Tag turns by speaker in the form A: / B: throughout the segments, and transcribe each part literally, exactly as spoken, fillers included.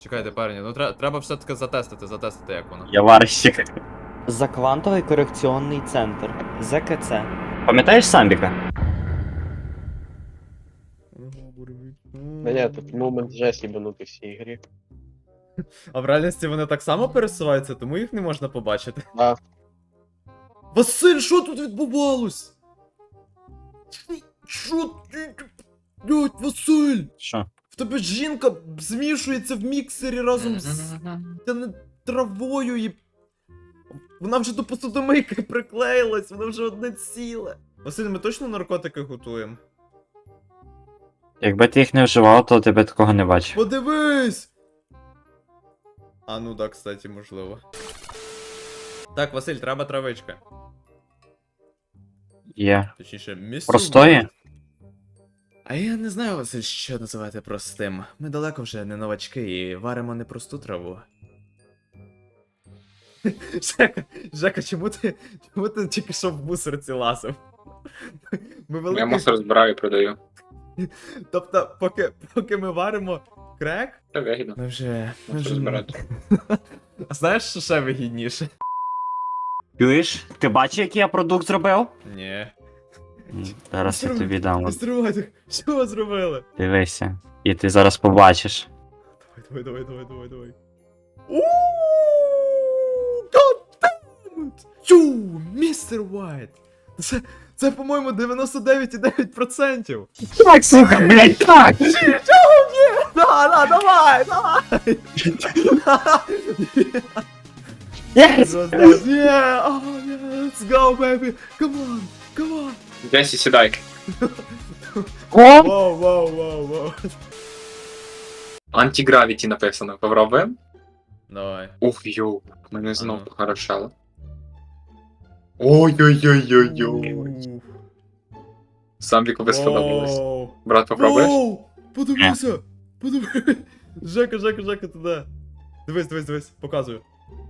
A: Чекайте, парні, ну тре- треба все-таки затестити, затестити, як воно.
B: Я варщик.
C: Заквантовий корекційний центр. ЗКЦ.
B: Пам'ятаєш Самбіка?
D: Да ні, тут момент жесть ебанутий в цій грі.
A: А в реальності вони так само пересуваються, тому їх не можна побачити.
D: Да.
A: Василь, що тут відбувалось? Що ти? Блять, Василь!
B: Що?
A: В тебе жінка змішується в міксері разом з та не травою і. Вона вже до посудомийки приклеїлась, вона вже одне ціле. Василь, ми точно наркотики готуємо?
B: Якби ти їх не вживав, то тебе такого не бачив.
A: Подивись! А ну да, кстати, можливо. Так, Василь, треба травичка.
B: Є.
A: Точніше, місце.
B: Простої?
A: А я не знаю, Василь, що називати простим. Ми далеко вже не новачки і варимо не просту траву. Жека, Жека, чому ти, чому ти тільки що в мусорці лазив? Ми
E: Я
A: великий...
E: мусор збираю і продаю.
A: Тобто, поки, поки ми варимо крек,
E: Це вигідно.
A: ми вже... Ми
E: Мусор
A: вже...
E: збирати.
A: А знаєш, що ще вигідніше?
B: Чуєш? Ти бачиш, який я продукт зробив?
A: Ні.
B: М, Зараз я тобі дам.
A: Не стривайте, що ви зробили?
B: Дивися. І ти зараз побачиш.
A: Давай, давай, давай, давай, давай. Uuuu, God damn it! Ю, містер Уайт! Це, це, по-моєму, дев'яносто дев'ять цілих дев'ять десятих відсотків.
B: Так, сука, блядь, так!
A: Чого ні? Да, да, давай, давай!
B: Yes!
A: Yeah, oh yeah, let's go, baby! Come on, come on!
E: Десі, сідай.
B: О!
A: Воу, воу, воу, воу.
E: Антигравіті написано. Попробуємо?
A: Давай.
E: Ух, йоу. Мене знов
A: Ага.
E: похорошало. Ой-ой-ой-ой-ой.
A: Уф.
E: Самбіку би сподобалось.
A: Воу.
E: Брат, попробуєш?
A: Воу! Подивися! Подивись! Жека, Жека, Жека, туди. Дивись, дивись, дивись, показую.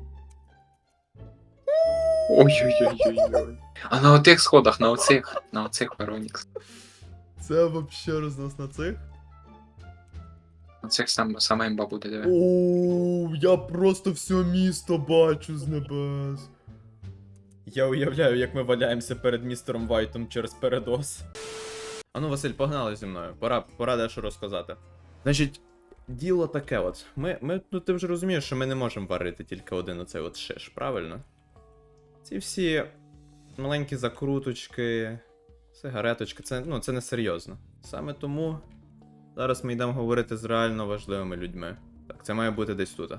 E: Ой-ой-ой-ой-ой. А на отих сходах, на оцих, на оцих Веронікс.
A: Це вообще рознос на цих.
E: На цих сам, саме імба буде, диви.
A: Оу, я просто все місто бачу з небес. Я уявляю, як ми валяємося перед містером Вайтом через передоз. Ану, Василь, погнали зі мною. Пора, пора дещо розказати. Значить, діло таке от. Ми, ми, ну ти вже розумієш, що ми не можемо варити тільки один оцей от шиш, правильно? Ці всі маленькі закруточки, сигареточки, це, ну, це не серйозно. Саме тому зараз ми йдемо говорити з реально важливими людьми. Так, це має бути десь тут.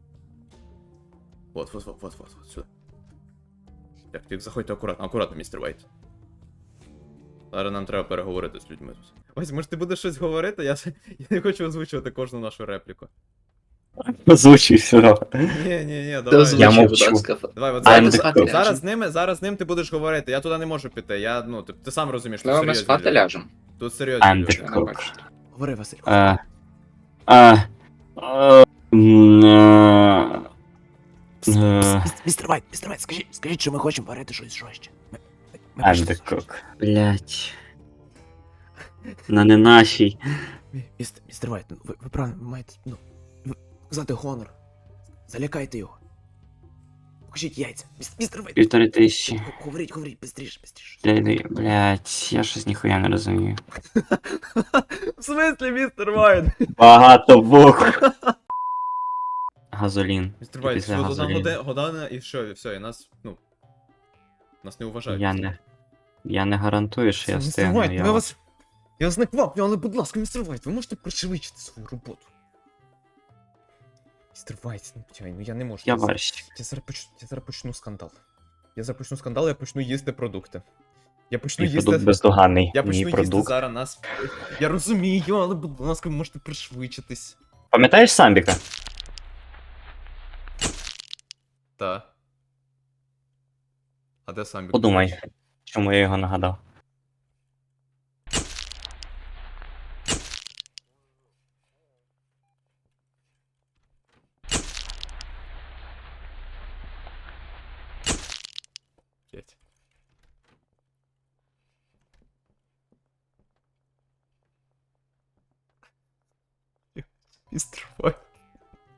A: Вот, вот, вот, вот, вот, вот, сюди. Так, так, заходьте акуратно, акуратно, містер Вайт. Зараз нам треба переговорити з людьми тут. Ось, може ти будеш щось говорити? Я, я не хочу озвучувати кожну нашу репліку.
B: Озвучуй все.
A: Ні, ні, ні, давай.
B: Я мовчу.
A: Давай, от
B: I'm
A: зараз,
B: the cook.
A: зараз з ними, зараз з ним ти будеш говорити. Я туди не можу піти. Я, ну, ти, ти сам розумієш, тут
E: Ми ми
A: серйозні
E: спати
A: люди.
E: ляжемо.
A: Тут серйозні
B: I'm
A: люди.
B: the
E: Я не
B: cook.
E: бачу.
A: Говори, Василь.
B: Е, е, е, м, е, е,
F: Містер Вайт, містер Вайт, скажіть, скажіть, що ми хочемо варити щось жорстче. Ми, ми, ми
B: I'm the cook. Блять. На не нашій.
F: Мі- Містер, містер Вайт, ну, ви, ви правильно, ви маєте, ну, ви показати гонор. Залякайте його. Покажіть яйця. Міс- Містер Вайт,
B: Півтори тисячі.
F: г- говоріть, говоріть, бистріше, бистріше.
B: Блядь, блять, я щось ніхуя не розумію.
A: В смислі, містер Вайт?
B: Багато букв. Газолін.
A: Містер
B: І
A: Вайт,
B: після
A: що одна
B: газоліну.
A: годи- година і що, і все, і нас, ну, нас не вважають.
B: Я не. Я не гарантую, що я
A: Містер
B: встигну.
A: Вайт,
B: Я...
A: ми вас... Я вас не кваплю, але, будь ласка, містер Вайт, ви можете пришвидшити свою роботу? Містер Вайт, ну, чай, ну я не можу.
B: Я
A: зараз-
B: варщик.
A: Я зараз почну, я зараз почну скандал. Я зараз почну скандал, я почну їсти продукти. Я почну
B: Мій
A: їсти...
B: продукт бездоганний.
A: Я
B: Мій
A: почну їсти
B: продукт.
A: зараз нас. Я розумію, але, будь ласка, ви можете пришвидшитись.
B: Пам'ятаєш Самбіка?
A: Та. А де сам
B: Подумай, чому я його нагадав.
A: Блять. Містер Вайт.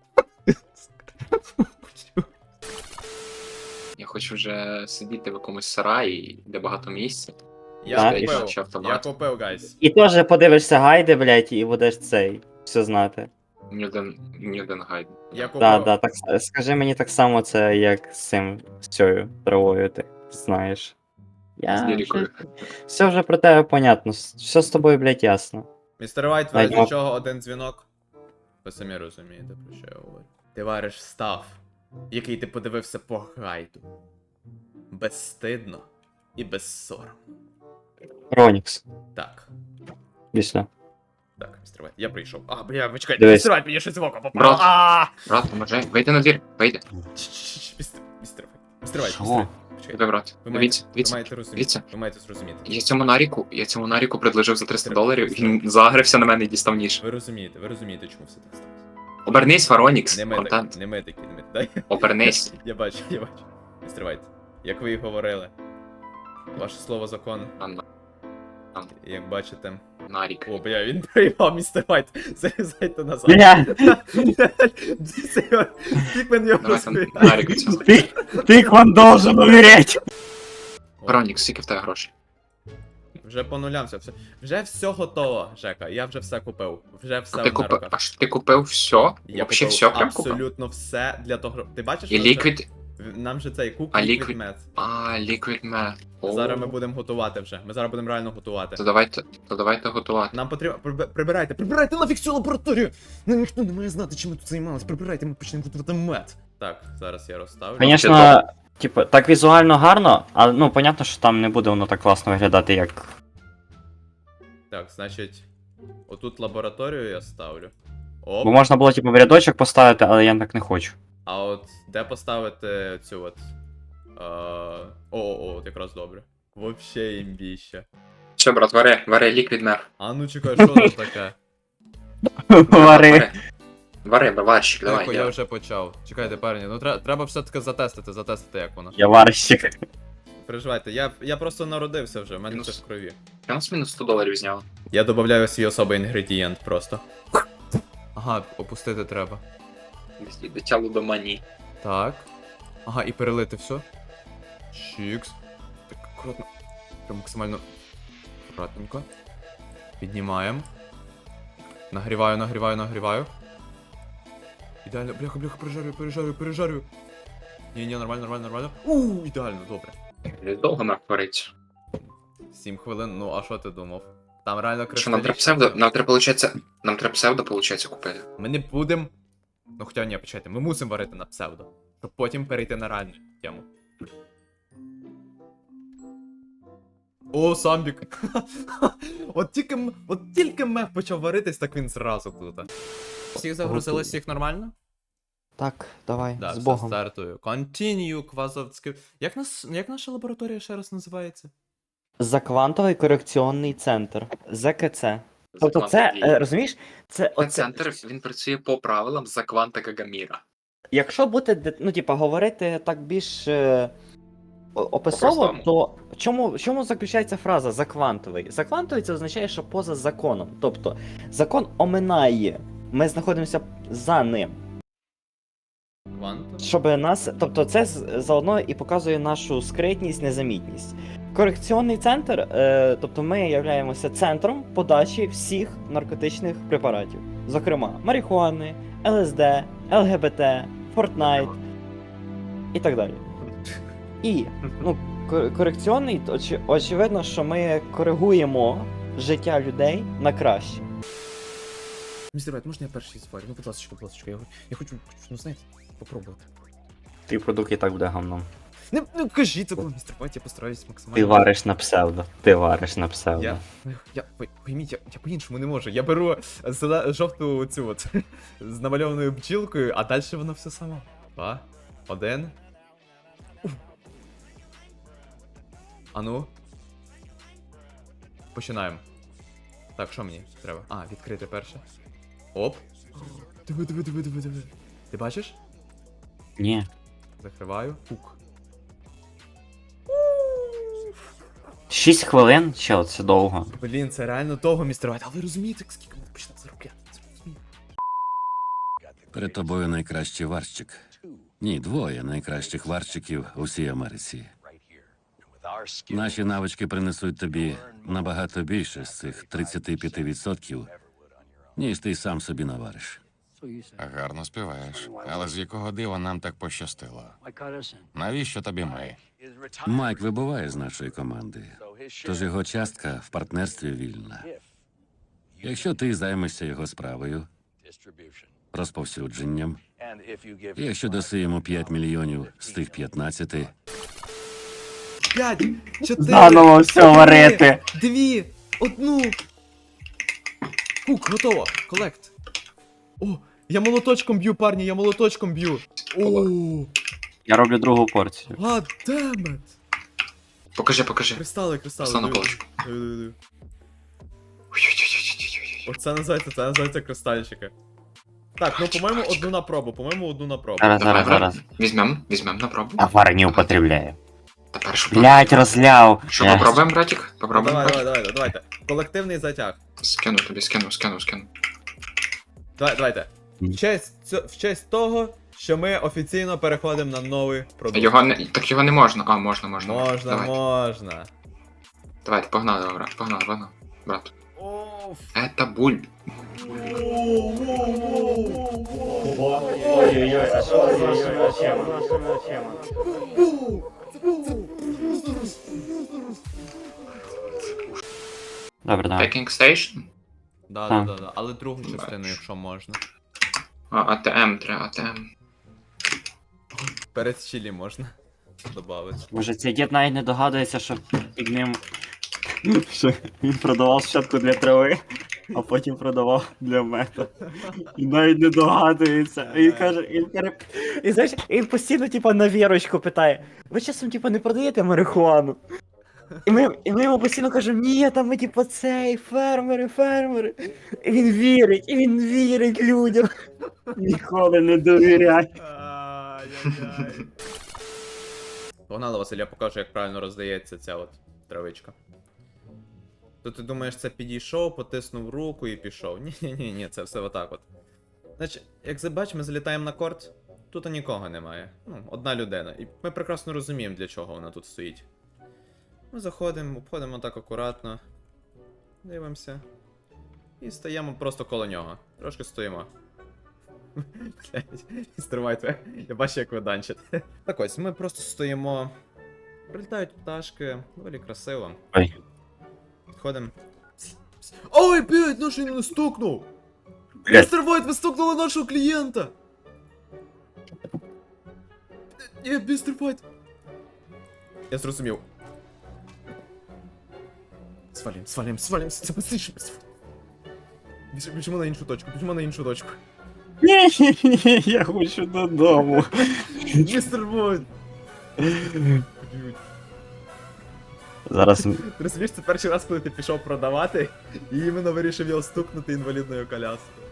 E: хочу вже сидіти в якомусь сараї, де багато місця.
A: Я
B: Так.
A: купив,
E: Ще
A: я
E: автомат.
A: купив, гайс.
B: І теж подивишся гайди, блядь, і будеш цей все знати.
E: Ні один, ні один гайд.
A: Я купив.
B: Да, да, так с- скажи мені так само це, як з цим з цією травою, ти знаєш.
E: З
B: Я
E: лірикою.
B: вже, все вже про тебе понятно. с- Все з тобою, блядь, ясно.
A: Містер Вайт, в
B: Навіть
A: разі
B: мав-
A: чого один дзвінок. Ви самі розумієте, про що я говорю. Ти вариш став, який ти подивився по гайду. Безстидно і безсоромно.
B: Ронікс.
A: Так.
B: Після.
A: Так, містер Вайт, я прийшов. А, бля, ви чекайте,
B: Дивись.
A: містер Вайт, мені щось в око попало.
E: Брат.
A: А!
E: Брат, поможи, вийди на двір, вийди.
A: Чш-чш-чш, Містер Містер Вайт, містер Вайт,
B: Що?
A: містер Вайт. Почекайте.
E: Тебе, брат.
A: Ви
E: Дивіться,
A: маєте, ви
E: дивіться.
A: маєте розуміти.
E: дивіться.
A: Ви маєте зрозуміти.
E: Я цьому наріку, я цьому наріку предложив за триста доларів, він загрився на мене і дістав ніж.
A: Ви розумієте, ви розумієте, чому все так сталося.
E: Обернись, Фаронікс,
A: Не ми такі,
E: контент.
A: не ми такі, не ми такі. Дай.
E: Обернись.
A: Я бачу, я бачу. Містер Вайт, як ви і говорили, ваше слово закон,
E: Ан-
A: як бачите.
E: Нарік.
A: О, бля, він проїбав, містер Вайт. Залізайте назад.
B: Бля,
A: Пікмен його
E: Давайте
A: розбив.
E: Нарік цього.
B: ти, ти вам должен умереть.
E: Фаронікс, скільки в тебе грошей?
A: Вже по нулям все. все. Вже все готово, Жека. Я вже все купив. Вже все
E: А ти
A: на
E: купив,
A: руках.
E: а що ти купив все?
A: Я
E: Вообще
A: купив
E: все прям купив?
A: абсолютно все для того. Ти бачиш,
E: І
A: що це?
E: ліквід,
A: Нам же цей кук
E: А
A: Liquid
E: Liquid-
A: Meth.
E: а, ліквід мед.
A: Зараз ми будемо готувати вже. Ми зараз будемо реально готувати.
E: То давайте, то давайте готувати.
A: Нам потрібно. Приб- Прибирайте, прибирайте нафіг цю лабораторію! Ну ніхто не має знати, чим ми тут займалися. Прибирайте, ми почнемо готувати мед. Так, зараз я розставлю.
B: Звісно, типу, так візуально гарно, але ну, понятно, що там не буде воно так класно виглядати, як.
A: Так, значить, отут лабораторію я ставлю. Оп.
B: Бо можна було, типу, в рядочок поставити, але я так не хочу.
A: А от де поставити цю от. Е... О, о, от якраз добре. Вообще імбіще.
E: Все, брат, вари, вари, ліквід мед.
A: А ну чекай, що тут таке?
B: Вари.
E: Вари, баварщик, давай.
A: Тихо, я
E: я-
A: вже почав. Чекайте, парні, ну тре- треба все-таки затестити, затестити, як воно.
B: Я варщик.
A: Переживайте, я, я просто народився вже, в мене
E: Мінус.
A: це в крові.
E: Я нас мінус сто доларів зняв.
A: Я додаю свій особий інгредієнт просто. Ага, опустити треба.
E: Дитя лудоманії.
A: Так. Ага, і перелити все. Чікс. Так, акуратно. Прям максимально акуратненько. Піднімаємо. Нагріваю, нагріваю, нагріваю. Ідеально. Бляха, бляха, пережарю, пережарю, пережарю. Ні, ні, нормально, нормально, нормально. Ууу, ідеально, добре.
E: Довго мав вариться.
A: Сім хвилин, ну а що ти думав? Там реально
E: Що нам треба
A: кристалічно.
E: псевдо, нам треба, получається, нам треба псевдо, получається, купити.
A: Ми не будемо. Ну хоча ні, почекайте, ми мусимо варити на псевдо. Щоб потім перейти на реальну тему. О, самбік. От тільки м- от тільки мех почав варитись, так він зразу тут. Всіх загрузили, всіх нормально?
C: Так, давай,
A: Да,
C: з
A: все,
C: Богом.
A: стартую. Continue, Квазовський. Як нас. Як наша лабораторія ще раз називається?
C: Заквантовий корекційний центр. ЗКЦ. Тобто це, е, розумієш, це
E: Це
C: оце,
E: центр, він працює по правилам за кванта Гагаміра.
C: якщо бути, де- ну, типа, говорити так більш е, о- описово,
E: По-простому.
C: то в чому, в чому заключається фраза заквантовий? Заквантовий це означає, що поза законом. Тобто закон оминає, ми знаходимося за ним.
A: Квантум?
C: Щоб нас, тобто це з- заодно і показує нашу скритність, незамітність. Корекційний центр, е, тобто ми являємося центром подачі всіх наркотичних препаратів, зокрема марихуани, ЛСД, ЛГБТ, Фортнайт і так далі. І ну, кор- корекційний, то очі- очевидно, що ми коригуємо життя людей на краще.
A: Містер Вайт, можна я перший зварю? Ну, будь ласка, будь ласка, я, я хочу, хочу, ну знаєте, попробувати.
B: Твій продукт і так буде гамном.
A: Не, не кажіть такого, містер Вайт, я постараюсь максимально.
B: Ти вариш на псевдо. Ти вариш на псевдо.
A: Я, я, пой- пойміть, я, я по-іншому не можу. Я беру зеле, жовту цю от з намальованою бджілкою, а далі воно все само. Два, один. Уф. А ну. Починаємо. Так, що мені треба? А, відкрити перше. Оп. Диви, диви, диви, диви, диви. Ти бачиш?
B: Ні.
A: Закриваю. Пук.
B: Шість хвилин? Чел, це довго.
A: Блін, це реально довго, містер Вайт. А ви розумієте, скільки ми почнемо заробляти? Це розумієте?
G: Перед тобою найкращий варщик. Ні, двоє найкращих варчиків у всій Америці. Наші навички принесуть тобі набагато більше з цих тридцять п'ять відсотків, ніж ти сам собі навариш.
H: Гарно співаєш. Але з якого дива нам так пощастило? Навіщо тобі ми?
G: Майк вибуває з нашої команди, тож його частка в партнерстві вільна. Якщо ти займешся його справою, розповсюдженням, і якщо даси йому п'ять мільйонів з тих п'ятнадцяти,
A: П'ять, чотири,
B: Заново все
A: три,
B: варити.
A: дві, одну. Хук, готово. Колект. О, я молоточком б'ю, парні, я молоточком б'ю. О,
B: Я роблю другу порцію.
A: гаддемет.
E: Покажи, покажи.
A: Кристали, кристали.
E: Став на
A: диви,
E: полочку.
A: диви, диви, диви. Оце називається, це називається кристальчики. Так, ну по-моєму одну на пробу, по-моєму одну на пробу.
B: Зараз,
E: Давай,
B: зараз, зараз.
E: Візьмем, візьмем на пробу.
B: Товар не употребляю.
E: Тепер що?
B: Блять, розляв.
E: Що,
B: Блядь.
E: попробуємо, братик?
A: Ну,
E: Попробуємо,
A: давай,
E: братик?
A: давай, давай, давайте. Колективний затяг.
E: Скину тобі, скину, скину, скину.
A: Давай, давайте. В честь, цьо- в честь того, що ми офіційно переходимо на новий продукт.
E: Його не... Так його не можна. А, можна, можна.
A: Можна,
E: Давайте,
A: можна.
E: давайте, погнали, брат, погнали, погнали. Брат.
A: Оф.
E: Это буль.
B: Ой-ой-ой, а що за тема? Що за тема? Добре, давай.
E: Packing Station?
A: Да,
B: Так.
A: да, да, да. Але другу частину, якщо можна.
E: А, АТМ треба, АТМ.
A: Перед чилі можна добавити.
B: Може, цей дід навіть не догадується, що під ним. Що він продавав щотку для трави, а потім продавав для мета. І навіть не догадується. Він каже, він переп...
C: І знаєш, він постійно, типа, на вірочку питає: ви часом, типа, не продаєте марихуану? І ми, і ми йому постійно кажемо, ні, там ми, типа, цей, фермери, фермери. І він вірить, і він вірить людям.
B: Ніколи не довіряй.
A: Ай-яй-яй. Погнали, Василь, я покажу, як правильно роздається ця от травичка. То ти думаєш, це підійшов, потиснув руку і пішов. Ні-ні-ні, ні, це все отак от. Значить, як забач, ми залітаємо на корт, тут нікого немає. Ну, одна людина. І ми прекрасно розуміємо, для чого вона тут стоїть. Ми заходимо, обходимо так акуратно, дивимося. І стаємо просто коло нього. Трошки стоїмо. Блять, стривайте. Я бачу, як ви данчите. Так ось, ми просто стоїмо. Прилітають пташки, доволі красиво.
B: Ой.
A: Підходимо. Ой, блять, наш він не стукнув!
B: Блядь.
A: Містер Вайт, ви стукнули нашого клієнта! Ні, містер Вайт. Я зрозумів. Свалім, свалім, свалім, це быстріше. Біж- Біжимо на іншу точку, біжимо на іншу точку.
B: Ні, я хочу додому.
A: Містер Вайт!
B: Зараз
A: Ти розумієш, це перший раз, коли ти пішов продавати, і іменно вирішив його стукнути інвалідною коляскою.